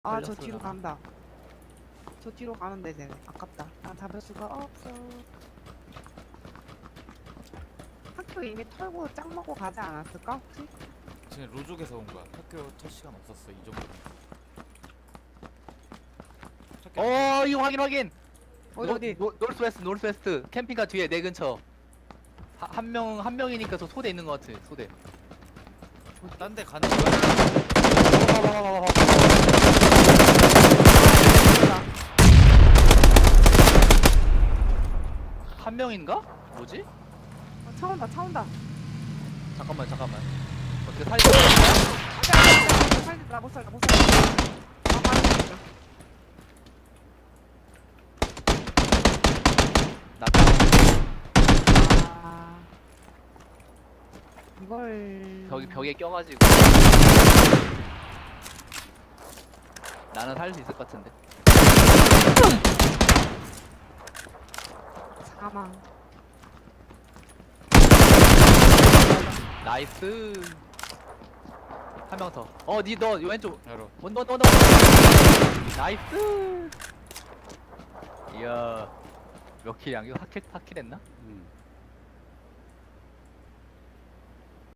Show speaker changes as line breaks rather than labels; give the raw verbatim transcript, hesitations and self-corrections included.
아, 저
걸렸어,
뒤로
나.
간다. 저 뒤로 가는데 쟤네. 아깝다. 난 잡을 수가 없어. 학교 이미 털고 짱 먹고 가지 않았을까 혹시?
지금 로족에서 온 거야. 학교 첫 시간 없었어. 이 정도.
어 이거 확인 확인.
어디
노,
어디?
노, 노스웨스트 노스웨스트 캠핑카 뒤에 내 근처. 한 명 한 명이니까 저 소대 있는 것 같아. 소대.
딴데 가는 거야.
봐봐 봐봐 봐봐. 한 명인가? 뭐지?
어, 차 온다 차 온다.
잠깐만 잠깐만. 어떻게 살려?
살지 나못 살다 못 살다. 아 맞았어.
나
아 이걸
벽 벽에 껴가지고. 나는 살 수 있을 것 같은데.
사망.
나이스. 한 명 더. 어, 니 너 왼쪽.
바로.
원더 원더. 나이스. 이야. 몇 킬 양교? 사 킬? 사 킬 했나?